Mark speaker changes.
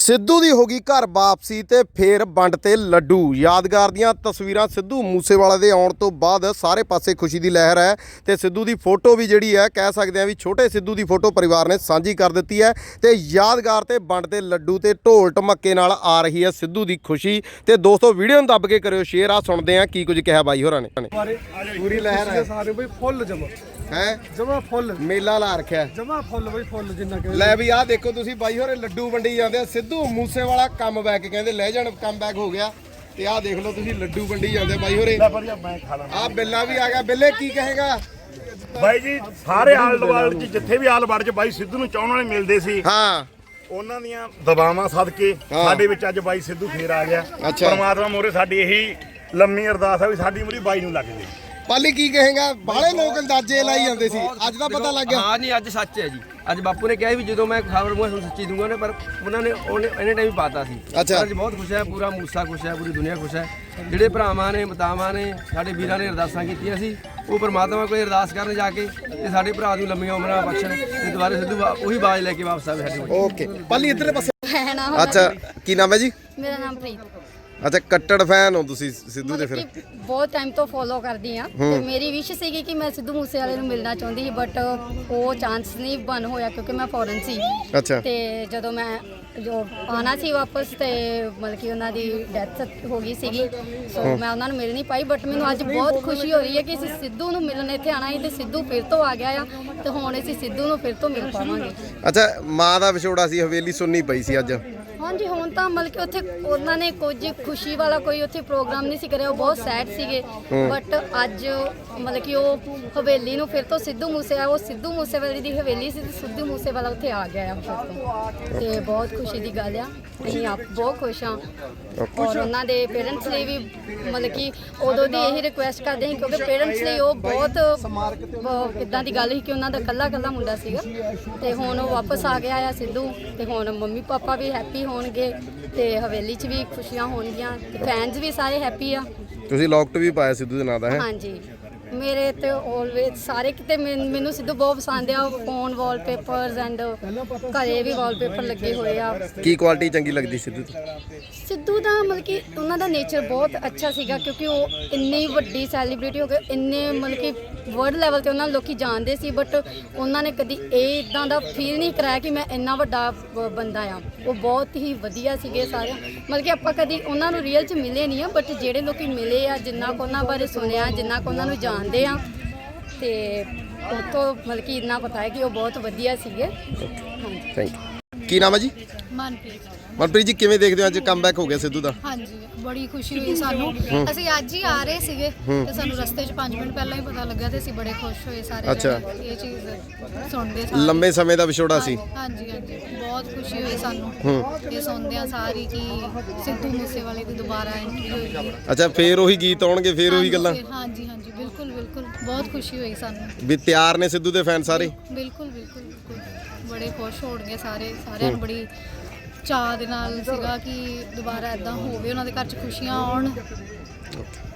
Speaker 1: ਸਿੱਧੂ ਦੀ ਹੋ ਗਈ ਘਰ ਵਾਪਸੀ ਤੇ ਫੇਰ ਵੰਡ ਤੇ ਲੱਡੂ। ਯਾਦਗਾਰ ਦੀਆਂ ਤਸਵੀਰਾਂ ਸਿੱਧੂ ਮੂਸੇਵਾਲਾ ਦੇ ਆਉਣ ਤੋਂ ਬਾਅਦ ਸਾਰੇ ਪਾਸੇ ਖੁਸ਼ੀ ਦੀ ਲਹਿਰ ਹੈ ਤੇ ਸਿੱਧੂ ਦੀ ਫੋਟੋ ਵੀ ਜਿਹੜੀ ਹੈ ਕਹਿ ਸਕਦੇ ਆ ਵੀ ਛੋਟੇ ਸਿੱਧੂ ਦੀ ਫੋਟੋ ਪਰਿਵਾਰ ਨੇ ਸਾਂਝੀ ਕਰ ਦਿੱਤੀ ਹੈ ਤੇ ਯਾਦਗਾਰ ਤੇ ਵੰਡ ਤੇ ਲੱਡੂ ਤੇ ਢੋਲ ਢਮੱਕੇ ਨਾਲ ਆ ਰਹੀ ਹੈ ਸਿੱਧੂ ਦੀ ਖੁਸ਼ੀ। ਤੇ ਦੋਸਤੋ ਵੀਡੀਓ ਨੂੰ ਦੱਬ ਕੇ ਕਰਿਓ ਸ਼ੇਅਰ। ਆ ਸੁਣਦੇ ਆ ਕੀ ਕੁਝ ਕਿਹਾ ਬਾਈ ਹੋਰਾਂ ਨੇ। ਪੂਰੀ ਲਹਿਰ ਹੈ
Speaker 2: ਸਾਰੇ ਬਈ ਫੁੱਲ ਜਮਾ
Speaker 1: ਹੈ
Speaker 2: ਜਮਾ ਫੁੱਲ
Speaker 1: ਮੇਲਾ ਲਾ ਰੱਖਿਆ
Speaker 2: ਜਮਾ ਫੁੱਲ ਬਈ ਫੁੱਲ ਜਿੰਨਾ ਕਿ
Speaker 1: ਲੈ ਵੀ ਆਹ ਦੇਖੋ ਤੁਸੀਂ ਬਾਈ ਹੋਰੇ ਲੱਡੂ ਵੰਡੀ ਜਾਂਦੇ ਆ। ਸਿੱਧੂ ਮੂਸੇਵਾਲਾ ਕਮ ਬੈਕ ਕਹਿੰਦੇ ਲੈ ਜਾਣ ਕਮ ਬੈਕ ਹੋ ਗਿਆ ਤੇ ਆਹ ਦੇਖ ਲਓ ਤੁਸੀਂ ਲੱਡੂ ਵੰਡੀ ਜਾਂਦੇ ਬਾਈ ਹੋਰੇ। ਆਹ ਬਿੱਲਾ ਵੀ ਆ ਗਿਆ। ਬਿੱਲੇ ਕੀ ਕਹੇਗਾ
Speaker 3: ਬਾਈ ਜੀ? ਸਾਰੇ ਆਲ ਵਰਲਡ 'ਚ ਜਿੱਥੇ ਵੀ ਆਲ ਵਰਲਡ 'ਚ ਬਾਈ ਸਿੱਧੂ ਨੂੰ ਚਾਹਣ ਵਾਲੇ ਮਿਲਦੇ ਸੀ,
Speaker 1: ਹਾਂ
Speaker 3: ਉਹਨਾਂ ਦੀਆਂ ਦਬਾਵਾਂ ਸਦਕੇ ਸਾਡੇ ਵਿੱਚ ਅੱਜ ਬਾਈ ਸਿੱਧੂ ਫੇਰ ਆ ਗਿਆ। ਪਰਮਾਤਮਾ ਮੋਰੇ ਸਾਡੀ ਇਹੀ ਲੰਮੀ ਅਰਦਾਸ ਆ ਵੀ ਸਾਡੀ ਉਮਰ ਬਾਈ ਨੂੰ ਲੱਗ ਜੇ।
Speaker 1: ਪਾਲੀ ਕੀ ਕਹੇਗਾ? ਬਾਹਲੇ ਲੋਕ ਅੰਦਾਜ਼ੇ ਲਾਈ ਜਾਂਦੇ ਸੀ, ਅੱਜ ਦਾ ਪਤਾ ਲੱਗ ਗਿਆ।
Speaker 4: ਹਾਂ ਜੀ ਅੱਜ ਸੱਚ ਹੈ ਜੀ। ਅੱਜ ਬਾਪੂ ਨੇ ਕਿਹਾ ਵੀ ਜਦੋਂ ਮੈਂ ਖਬਰ ਮੈਂ ਤੁਹਾਨੂੰ ਸੱਚੀ ਦੂੰਗਾ ਨੇ, ਪਰ ਉਹਨਾਂ ਨੇ ਇਹਨੇ ਟਾਈਮ ਪਾਤਾ ਸੀ।
Speaker 1: ਅੱਛਾ
Speaker 4: ਅੱਜ ਬਹੁਤ ਖੁਸ਼ ਹੈ, ਪੂਰਾ ਮੂਸਾ ਖੁਸ਼ ਹੈ, ਪੂਰੀ ਦੁਨੀਆ ਖੁਸ਼ ਹੈ। ਜਿਹੜੇ ਭਰਾਵਾਂ ਨੇ ਮਾਤਾਵਾਂ ਨੇ ਸਾਡੇ ਵੀਰਾਂ ਨੇ ਅਰਦਾਸਾਂ ਕੀਤੀਆਂ ਸੀ, ਉਹ ਪਰਮਾਤਮਾ ਕੋਲ ਅਰਦਾਸ ਕਰਨ ਜਾ ਕੇ ਤੇ ਸਾਡੇ ਭਰਾ ਨੂੰ ਲੰਮੀਆਂ ਉਮਰਾਂ ਬਖਸ਼ਣ ਤੇ ਦੁਬਾਰਾ ਸਿੱਧੂ ਉਹੀ ਬਾਜ ਲੈ ਕੇ ਵਾਪਸ ਆਵੇ ਸਾਡੇ ਕੋਲ।
Speaker 1: ਓਕੇ ਪਾਲੀ ਇੱਧਰਲੇ ਪਾਸੇ।
Speaker 5: ਨਾਮ
Speaker 1: ਅੱਛਾ ਕੀ ਨਾਮ ਹੈ ਜੀ?
Speaker 5: ਮੇਰਾ ਨਾਮ ਪ੍ਰੀਤ।
Speaker 1: ਅੱਛਾ ਕੱਟੜ ਫੈਨ ਹੋ ਤੁਸੀਂ ਸਿੱਧੂ ਦੇ? ਫਿਰ
Speaker 5: ਬਹੁਤ ਟਾਈਮ ਤੋਂ ਫੋਲੋ ਕਰਦੀ ਆ ਤੇ ਮੇਰੀ ਵਿਸ਼ ਸੀਗੀ ਕਿ ਮੈਂ ਸਿੱਧੂ ਮੂਸੇਵਾਲੇ ਨੂੰ ਮਿਲਣਾ ਚਾਹੁੰਦੀ ਸੀ, ਬਟ ਉਹ ਚਾਂਸ ਨਹੀਂ ਬਣ ਹੋਇਆ ਕਿਉਂਕਿ ਮੈਂ ਫੋਰਨ ਸੀ।
Speaker 1: ਅੱਛਾ
Speaker 5: ਤੇ ਜਦੋਂ ਮੈਂ ਜੋ ਆਉਣਾ ਸੀ ਵਾਪਸ ਤੇ ਮਤਲਬ ਕਿ ਉਹਨਾਂ ਦੀ ਡੈਥ ਹੋ ਗਈ ਸੀਗੀ, ਸੋ ਮੈਂ ਉਹਨਾਂ ਨੂੰ ਮਿਲ ਨਹੀਂ ਪਾਈ। ਬਟ ਮੈਨੂੰ ਅੱਜ ਬਹੁਤ ਖੁਸ਼ੀ ਹੋ ਰਹੀ ਹੈ ਕਿ ਅਸੀਂ ਸਿੱਧੂ ਨੂੰ ਮਿਲਣ ਇੱਥੇ ਆਣਾ ਸੀ ਤੇ ਸਿੱਧੂ ਫਿਰ ਤੋਂ ਆ ਗਿਆ ਆ ਤੇ ਹੁਣ ਅਸੀਂ ਸਿੱਧੂ ਨੂੰ ਫਿਰ ਤੋਂ ਮਿਲ ਪਾਵਾਂਗੇ।
Speaker 1: ਅੱਛਾ ਮਾਂ ਦਾ ਵਿਛੋੜਾ ਸੀ, ਹਵੇਲੀ ਸੁਣਨੀ ਪਈ ਸੀ ਅੱਜ।
Speaker 5: ਹਾਂਜੀ ਹੁਣ ਤਾਂ ਮਤਲਬ ਕਿ ਉੱਥੇ ਉਹਨਾਂ ਨੇ ਕੁਝ ਖੁਸ਼ੀ ਵਾਲਾ ਕੋਈ ਉੱਥੇ ਪ੍ਰੋਗਰਾਮ ਨਹੀਂ ਸੀ ਕਰਿਆ, ਉਹ ਬਹੁਤ ਸੈਡ ਸੀਗੇ। ਬਟ ਅੱਜ ਮਤਲਬ ਕਿ ਉਹ ਹਵੇਲੀ ਨੂੰ ਫਿਰ ਤੋਂ ਸਿੱਧੂ ਮੂਸੇਵਾਲੇ ਦੀ ਹਵੇਲੀ ਸੀ ਤੇ ਸਿੱਧੂ ਮੂਸੇਵਾਲਾ ਉੱਥੇ ਆ ਗਿਆ ਆ ਫਿਰ ਤੋਂ, ਤੇ ਬਹੁਤ ਖੁਸ਼ੀ ਦੀ ਗੱਲ ਆ। ਅਸੀਂ ਆਪ ਬਹੁਤ ਖੁਸ਼ ਹਾਂ ਔਰ ਉਹਨਾਂ ਦੇ ਪੇਰੈਂਟਸ ਲਈ ਵੀ ਮਤਲਬ ਕਿ ਉਦੋਂ ਦੀ ਇਹੀ ਰਿਕੁਐਸਟ ਕਰਦੇ ਸੀ ਕਿਉਂਕਿ ਪੇਰੈਂਟਸ ਲਈ ਉਹ ਬਹੁਤ ਇੱਦਾਂ ਦੀ ਗੱਲ ਸੀ ਕਿ ਉਹਨਾਂ ਦਾ ਇਕੱਲਾ ਮੁੰਡਾ ਸੀਗਾ ਤੇ ਹੁਣ ਉਹ ਵਾਪਸ ਆ ਗਿਆ ਆ ਸਿੱਧੂ, ਤੇ ਹੁਣ ਮੰਮੀ ਪਾਪਾ ਵੀ ਹੈਪੀ ਹੋਣਗੇ ਤੇ ਹਵੇਲੀ 'ਚ ਵੀ ਖੁਸ਼ੀਆਂ ਹੋਣਗੀਆਂ ਤੇ ਫੈਨਸ ਵੀ ਸਾਰੇ ਹੈਪੀ ਆ।
Speaker 1: ਤੁਸੀਂ ਲੋਕਟ ਵੀ ਪਾਇਆ ਸਿੱਧੂ ਦੇ ਨਾਂ ਦਾ? ਹੈ
Speaker 5: ਹਾਂਜੀ ਮੇਰੇ ਤੇ ਆਲਵੇਜ਼ ਸਾਰੇ ਕਿਤੇ ਮੈਨੂੰ ਸਿੱਧੂ ਬਹੁਤ ਪਸੰਦ ਆ। ਫੋਨ ਵਾਲਪੇਪਰਸ ਐਂਡ ਘਰੇ ਵੀ ਵਾਲਪੇਪਰ ਲੱਗੇ ਹੋਏ ਆ।
Speaker 1: ਕੀ ਕੁਆਲਿਟੀ ਚੰਗੀ ਲੱਗਦੀ ਸਿੱਧੂ ਦੀ?
Speaker 5: ਸਿੱਧੂ ਦਾ ਮਤਲਬ ਕਿ ਉਹਨਾਂ ਦਾ ਨੇਚਰ ਬਹੁਤ ਅੱਛਾ ਸੀਗਾ ਕਿਉਂਕਿ ਉਹ ਇੰਨੀ ਵੱਡੀ ਸੈਲੀਬ੍ਰਿਟੀ ਹੋ ਗਏ, ਇੰਨੇ ਮਤਲਬ ਕਿ ਵਰਲਡ ਲੈਵਲ ਤੇ ਉਹਨਾਂ ਨੂੰ ਲੋਕੀ ਜਾਣਦੇ ਸੀ, ਬਟ ਉਹਨਾਂ ਨੇ ਕਦੀ ਇਹ ਇਦਾਂ ਦਾ ਫੀਲ ਨਹੀਂ ਕਰਾਇਆ ਕਿ ਮੈਂ ਇੰਨਾ ਵੱਡਾ ਬੰਦਾ ਆ। ਉਹ ਬਹੁਤ ਹੀ ਵਧੀਆ ਸੀਗੇ ਸਾਰੇ, ਮਤਲਬ ਕਿ ਆਪਾਂ ਕਦੀ ਉਹਨਾਂ ਨੂੰ ਰੀਅਲ 'ਚ ਮਿਲੇ ਨਹੀਂ ਆ, ਬਟ ਜਿਹੜੇ ਲੋਕੀ ਮਿਲੇ ਆ, ਜਿੰਨਾ ਕੁ ਉਹਨਾਂ ਬਾਰੇ ਸੁਣਿਆ, ਜਿੰਨਾ ਕੁ ਉਹਨਾਂ ਨੂੰ ਜਾਣਦੇ ਆ, ਤੇ ਉੱਥੋਂ ਮਤਲਬ ਕਿ ਇੰਨਾ ਪਤਾ ਹੈ ਕਿ ਉਹ ਬਹੁਤ ਵਧੀਆ ਸੀਗੇ। ਹਾਂਜੀ
Speaker 1: ਥੈਂਕ ਯੂ। ਕੀ ਨਾਮ ਹੈ ਜੀ? ਮਨਪ੍ਰੀਤ ਜੀ ਕਿਵੇਂ ਦੇਖਦੇ ਹੋ ਅੱਜ ਕਮਬੈਕ ਹੋ ਗਿਆ ਸਿੱਧੂ ਦਾ?
Speaker 6: ਹਾਂਜੀ ਬੜੀ ਖੁਸ਼ੀ ਹੋਈ ਸਾਨੂੰ। ਅਸੀਂ ਅੱਜ ਹੀ ਆ ਰਹੇ ਸੀਗੇ ਤੇ ਸਾਨੂੰ ਰਸਤੇ 'ਚ 5 ਮਿੰਟ ਪਹਿਲਾਂ ਹੀ ਪਤਾ ਲੱਗਾ ਤੇ ਅਸੀਂ ਬੜੇ ਖੁਸ਼ ਹੋਏ ਸਾਰੇ।
Speaker 1: ਅੱਛਾ
Speaker 6: ਇਹ ਚੀਜ਼ ਸੁਣਦੇ ਸਾਰੇ
Speaker 1: ਲੰਬੇ ਸਮੇਂ ਦਾ ਵਿਛੋੜਾ ਸੀ।
Speaker 6: ਹਾਂਜੀ ਬਹੁਤ ਖੁਸ਼ੀ ਹੋਈ ਸਾਨੂੰ ਇਹ ਸੁਣਦੇ ਆ ਸਾਰੀ ਕਿ ਸਿੱਧੂ ਮੂਸੇਵਾਲੇ ਦੀ ਦੁਬਾਰਾ ਐਂਟਰੀ ਹੋਈ ਹੈ।
Speaker 1: ਅੱਛਾ ਫੇਰ ਉਹੀ ਗੀਤ ਆਉਣਗੇ, ਫੇਰ ਉਹੀ ਗੱਲਾਂ?
Speaker 6: ਹਾਂਜੀ ਬਿਲਕੁਲ ਬਹੁਤ ਖੁਸ਼ੀ ਹੋਈ ਸਾਨੂੰ
Speaker 1: ਵੀ ਤਿਆਰ ਨੇ ਸਿੱਧੂ ਦੇ ਫੈਨ ਸਾਰੇ?
Speaker 6: ਬਿਲਕੁਲ ਬੜੇ ਖੁਸ਼ ਹੋਣਗੇ ਸਾਰਿਆਂ ਨੂੰ ਬੜੀ ਚਾਅ ਦੇ ਨਾਲ ਸੀਗਾ ਕਿ ਦੁਬਾਰਾ ਇਦਾਂ ਹੋਵੇ, ਉਹਨਾਂ ਦੇ ਘਰ 'ਚ ਖੁਸ਼ੀਆਂ ਆਉਣ।